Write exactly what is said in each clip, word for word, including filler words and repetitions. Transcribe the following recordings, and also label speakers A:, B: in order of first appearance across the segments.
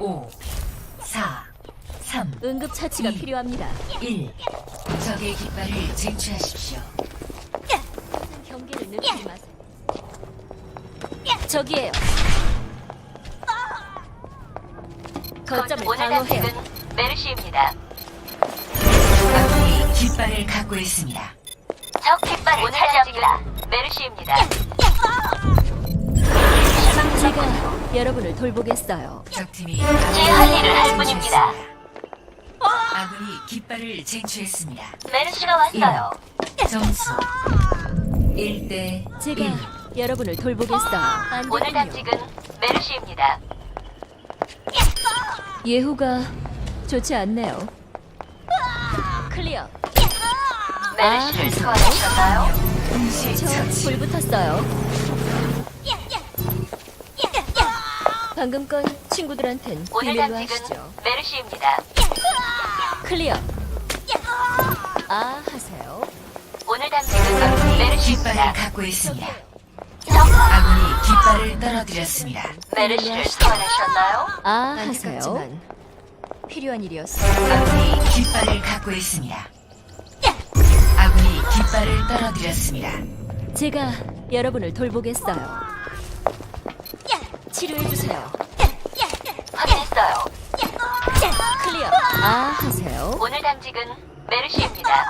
A: 오, 사, 삼,
B: 응급 처치가
A: 이.
B: 필요합니다.
A: 일. 적의 깃발을 쟁취하십시오.
B: 경계를 늦추지 마세요. 저기에요. 거점을
C: 오늘
B: 방어해요.
C: 단식은 메르시입니다.
A: 아군이 깃발을 갖고 있습니다.
C: 적 깃발을 차지합니다. 메르시입니다.
B: 제가 여러분을 돌보겠어요.
A: 적팀이
C: 제 할 일을 할 뿐입니다.
A: 아군이 깃발을 쟁취했습니다.
C: 메르시가 왔어요.
A: 점수 일 대
B: 제가
A: 일.
B: 여러분을 돌보겠어요. 안
C: 오늘
B: 되군요.
C: 단식은 메르시입니다.
B: 예후가 좋지 않네요. 클리어.
C: 메르시를
B: 아,
C: 소환하셨나요?
A: 동시
B: 저
A: 처치.
B: 불 붙었어요. 방금 건 친구들한텐
C: 오늘
B: 비밀로
C: 단식은
B: 하시죠.
C: 메르시입니다.
B: 클리어. 아, 하세요.
C: 오늘 단식은
A: 깃발을
C: 메르시입니다.
A: 갖고 있습니다.
C: 적
A: 아군이 깃발을 떨어뜨렸습니다.
C: 메르시를 소환하셨나요?
B: 아, 하세요. 필요한 일이었어.
A: 아군이 깃발을 갖고 있습니다. 아군이 깃발을 떨어뜨렸습니다.
B: 제가 여러분을 돌보겠어요. 치료해 주세요.
C: 확인했어요.
B: 클리어. 아, 하세요.
C: 오늘 단식은 메르시입니다.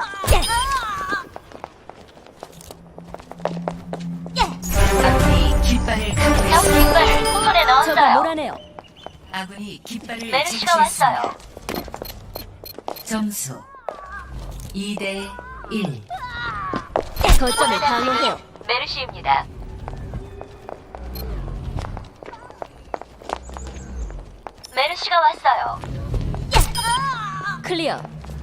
A: 아군이 깃발을 갖고
C: 적
A: 있습니다.
C: 깃발을 손에
B: 저거
C: 넣었어요.
B: 몰아내요.
A: 아군이 깃발을
C: 메르시가
A: 쟁취했습니다.
C: 왔어요.
A: 점수 이 대 일.
B: 거점을
C: 오늘
B: 방어해요.
C: 단식은 메르시입니다. 메르시가 왔어요.
B: 클리어.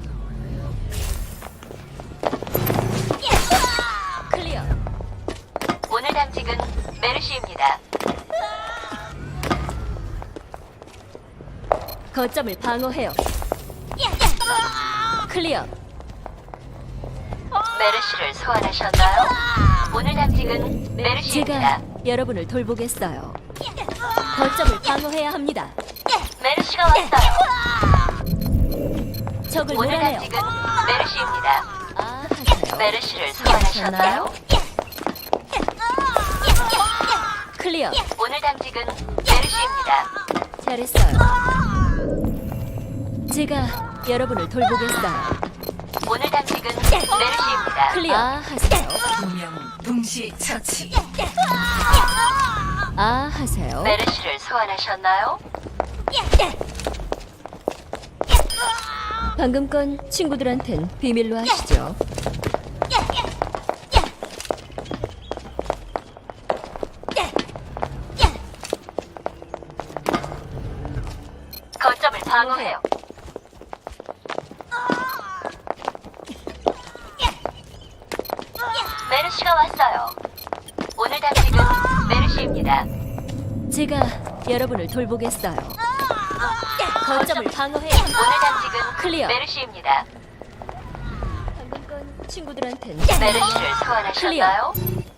B: 클리어.
C: 오늘 단식은 메르시입니다.
B: 거점을 방어해요. 클리어.
C: 메르시를 소환하셨나요? 오늘 단식은 메르시입니다.
B: 제가 여러분을 돌보겠어요. 거점을 방어해야 합니다.
C: 메르시가 왔어요.
B: 적을
C: 오늘
B: 몰아내요.
C: 단식은 메르시입니다.
B: 아, 하세요.
C: 메르시를 소환하셨나요?
B: 클리어.
C: 오늘 단식은 메르시입니다.
B: 잘했어요. 제가 여러분을 돌보겠어요.
C: 오늘 단식은 메르시입니다.
B: 클리어. 아, 하세요.
A: 두 명 동시 처치.
B: 아, 하세요.
C: 메르시를 소환하셨나요?
B: 방금 건 친구들한텐 비밀로 하시죠.
C: 거점을 방어해요. 메르시가 왔어요. 오늘 단식은 메르시입니다.
B: 제가 여러분을 돌보겠어요. 거점을 방어해요.
C: 오늘 단식은
B: 클리어.
C: 메르시입니다.
B: 방금 건 친구들한텐
C: 메르시를 소환하셨나요?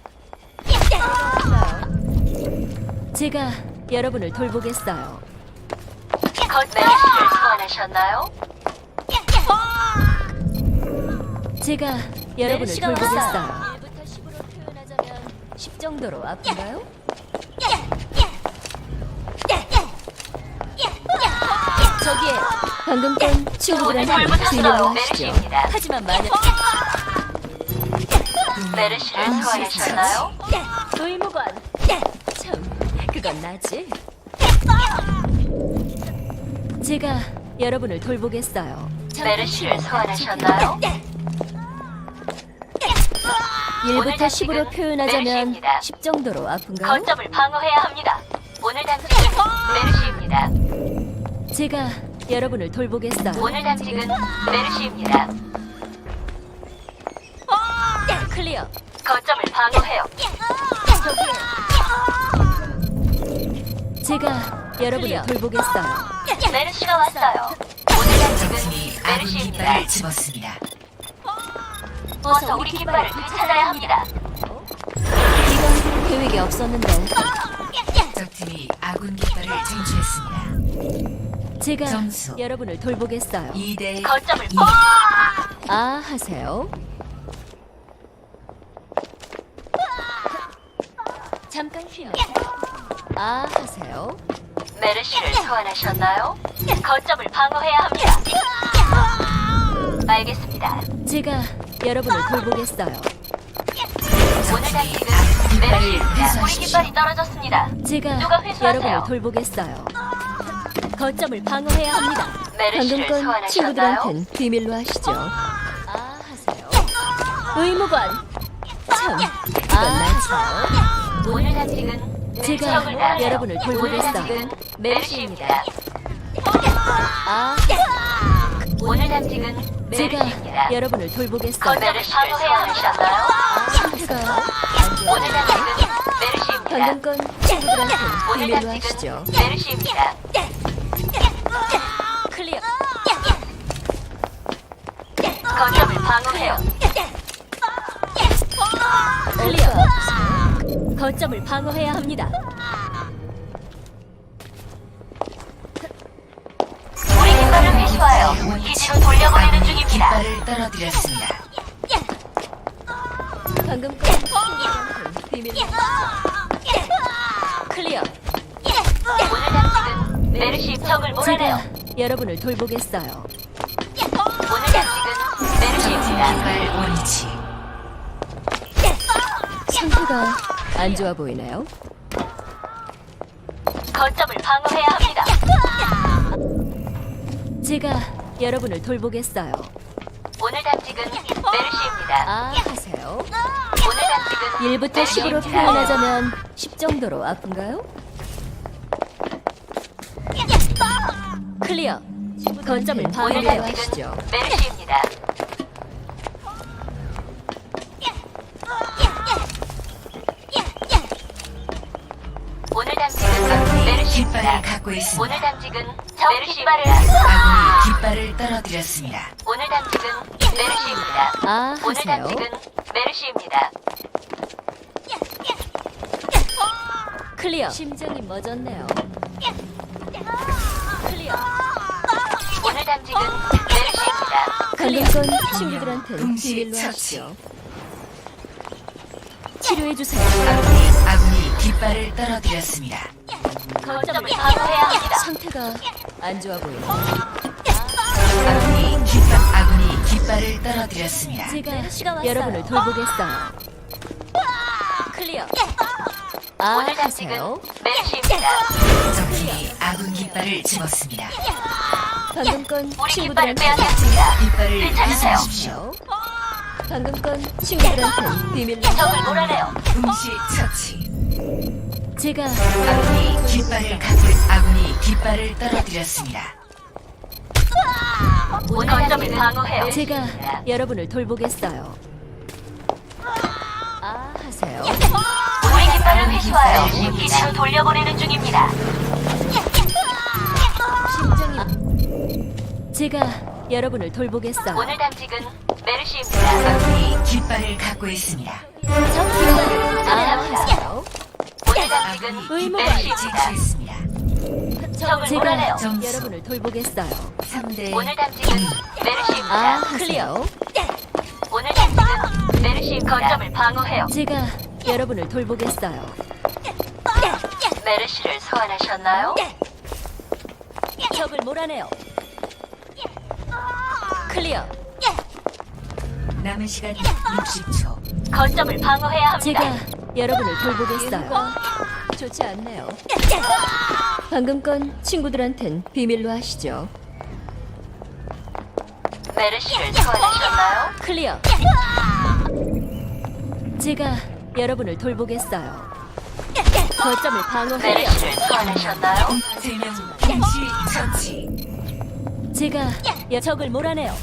B: 제가 여러분을 돌보겠어요.
C: 거 메르시를 소환하셨나요?
B: 제가 여러분을
C: 메르시가
B: 돌보겠어요. 일부터 십으로 표현하자면 십 정도로 아픈가요? 저기에 방금 건 친구들한테
C: 오늘
B: 비밀로
C: 돌보셨어요.
B: 하시죠.
C: 메르시입니다.
B: 하지만 만약
C: 메르시를
B: 아,
C: 소환하셨나요?
B: 의무관 참 그건 나지. 제가 여러분을 돌보겠어요.
C: 메르시를 소환하셨나요?
B: 일부터 십으로
C: 단식은
B: 표현하자면
C: 메르시입니다.
B: 십 정도로 아픈가요?
C: 거점을 방어해야 합니다. 오늘 단식은 메르시입니다.
B: 제가 여러분을 돌보겠어요.
C: 오늘 단식은 메르시입니다.
B: 클리어.
C: 거점을 방어해요.
B: 제가 여러분을 클리어. 돌보겠어요.
C: 메르시가 왔어요. 오늘 단식은
A: 적팀이 아군
C: 메르시입니다.
A: 깃발을 집었습니다.
C: 어서 우리 깃발을 되찾아야 합니다.
B: 이건 계획이 없었는데.
A: 적팀 팀이 아군 깃발을 쟁취했습니다.
B: 제가
A: 점수.
B: 여러분을 돌보겠어요.
A: 이 대
C: 거점을
A: 이.
C: 뻥!
B: 아 하세요. 잠깐 쉬어요. 아 하세요.
C: 메르시를 소환하셨나요? 거점을 방어해야 합니다. 알겠습니다.
B: 제가 여러분을 돌보겠어요.
C: 오늘 당직은 메르시입니다. 우리 깃발이 떨어졌습니다.
B: 제가
C: 누가 회수하세요?
B: 여러분을 돌보겠어요. 거점을 방어해야 합니다. 방금
C: 메르시를
B: 건
C: 소환하셨나요?
B: 친구들한텐 비밀로 하시죠. 아 하세요. 의무관. 참, 이건 나죠.
C: 오늘 당직은
B: 제가
C: 적을 날아요.
B: 여러분을
C: 오늘
B: 돌보겠어요.
C: 당직은 메르시입니다.
B: 아,
C: 오늘 당직은
B: 제가
C: 메르시입니다.
B: 여러분을 돌보겠어요.
C: 거점을 방어해야 하셨나요?
B: 상태가 안 좋아요.
C: 오늘 당직은 메르시입니다.
B: 방금 건 친구들한텐
C: 오늘
B: 비밀로 하시죠.
C: 당직은 메르시입니다.
B: 클리어.
C: 거점을 방어해요.
B: 클리어. 거점을 방어해야 합니다.
C: 우리 깃발을 회수하여 기지로 돌려보내는
A: 아군이
C: 중입니다.
A: 깃발을 떨어뜨렸습니다.
B: 방금 건 친구들한텐 비밀로 하시죠. 클리어.
C: 오늘 당직은 메르시 적을 몰아내요.
B: 제가 여러분을 돌보겠어요.
C: 오늘 당직은 메르시입니다.
A: 깃발 원위치.
B: 상태가 안 좋아 보이나요?
C: 거점을 방어해야 합니다.
B: 제가 여러분을 돌보겠어요.
C: 오늘 당직은 메르시입니다.
B: 아 하세요.
C: 오늘 당직은
B: 일부터 십으로
C: 메르시입니다.
B: 표현하자면 십 정도로 아픈가요? 클리어. 거점을
C: 오늘
B: 방어해야
C: 당직은
B: 하시죠.
C: 메르시입니다. 오늘 당직은
A: 아군이
C: 메르시입니다.
A: 깃발을 갖고 있습니다.
C: 오늘 당직은 적 깃발을
A: 아군이 깃발을 떨어뜨렸습니다.
C: 오늘 당직은 메르시입니다.
B: 아
C: 오늘
B: 하세요.
C: 당직은 메르시입니다.
B: 클리어. 심장이 멎었네요. 클리어.
C: 오늘 당직은 메르시입니다.
B: 방금 건 친구들한테
A: 동시
B: 비밀로
A: 처치.
B: 하시죠. 치료해 주세요.
A: 아군이 아군이 깃발을 떨어뜨렸습니다.
C: 거점을 방어해야 합니다.
B: 상태가 안 좋아 보여요.
A: 아군이 깃발 아군이 깃발을 떨어뜨렸습니다.
B: 제가 여러분을 돌보겠어요. 클리어. 아
C: 오늘 당직은
B: 하세요.
C: 메르시입니다.
A: 적팀이 아군 깃발을 집었습니다.
B: 방금 건
C: 우리 깃발을
B: 친구들한테
C: 빼앗겼습니다.
A: 깃발을
C: 되찾으세요.
A: 회수하십시오.
B: 방금 건 친구들한테 비밀로
C: 적을 몰아내요.
A: 동시 처치.
B: 제가
A: 아군이 깃발을 갖고 아군이 깃발을 떨어뜨렸습니다.
C: 오늘 거점을 방어해요.
B: 제가 여러분을 돌보겠어요. 아 하세요.
C: 우리 깃발을 회수하여 기지로 돌려보내는 중입니다.
B: 심장이 제가 여러분을 돌보겠어요.
C: 오늘 당직은 메르시입니다.
A: 아군이 깃발을 갖고 있습니다.
B: 아 하세요.
C: 오늘 당직은
A: 아군이 깃발을
C: 메르시입니다.
A: 쟁취했습니다.
C: 적을 몰아내요.
B: 제가
A: 점수.
B: 여러분을 돌보겠어요.
A: 삼 대
C: 오늘 당직은
B: 아
C: 메르시입니다.
B: 클리어.
C: 오늘 당직은 메르시 거점을 방어해요.
B: 제가 여러분을 돌보겠어요.
C: 메르시를 소환하셨나요?
B: 적을 몰아내요. 클리어.
A: 남은 시간 육십 초.
C: 거점을 방어해야 합니다.
B: 제가 여러분을 돌보겠어요. 좋지 않네요. 방금 건 친구들한텐 비밀로 하시죠.
C: 메르시를 소환하셨나요?
B: 클리어. 제가 여러분을 돌보겠어요. 거점을 방어해요.
C: 메르시를 소환하셨나요?
A: 세 명 동시 처치.
B: 제가 여 적을 몰아내요.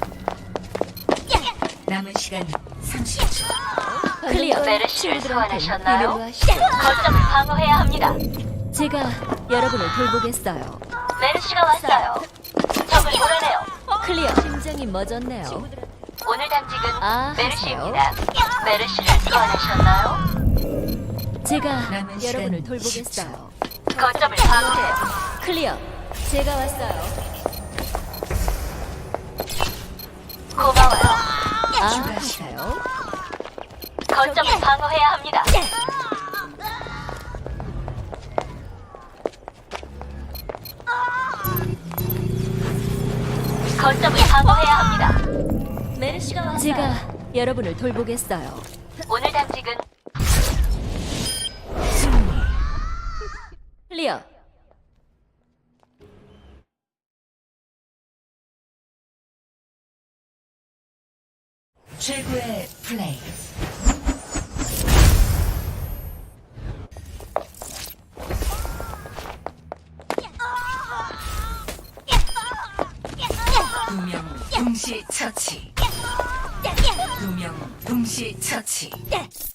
A: 남은 시간 삼십 초.
B: 클리어.
C: 메르시를
B: 친구들한텐
C: 소환하셨나요?
B: 비밀로 하시죠.
C: 거점을 방어해야 합니다.
B: 제가 여러분을 돌보겠어요.
C: 메르시가 왔어요. 적을 몰아내요.
B: 클리어. 심장이 멎었네요.
C: 오늘 당직은
B: 아,
C: 메르시입니다. 메르시를 소환하셨나요?
B: 제가
A: 남은 시간
B: 여러분을
A: 십 초.
B: 돌보겠어요.
C: 거점을 방어해요.
B: 클리어. 제가 왔어요.
C: 고마워요.
B: 아,
A: 추가 시간.
B: 같아요.
C: 거점을 방어해야 합니다. 거점을 방어해야 합니다.
B: 메르시가 왔어요. 제가 여러분을 돌보겠어요.
C: 오늘 당직은
A: 승리.
B: 클리어.
A: 최고의 플레이. 두 명 동시 처치. 두 명 동시 처치.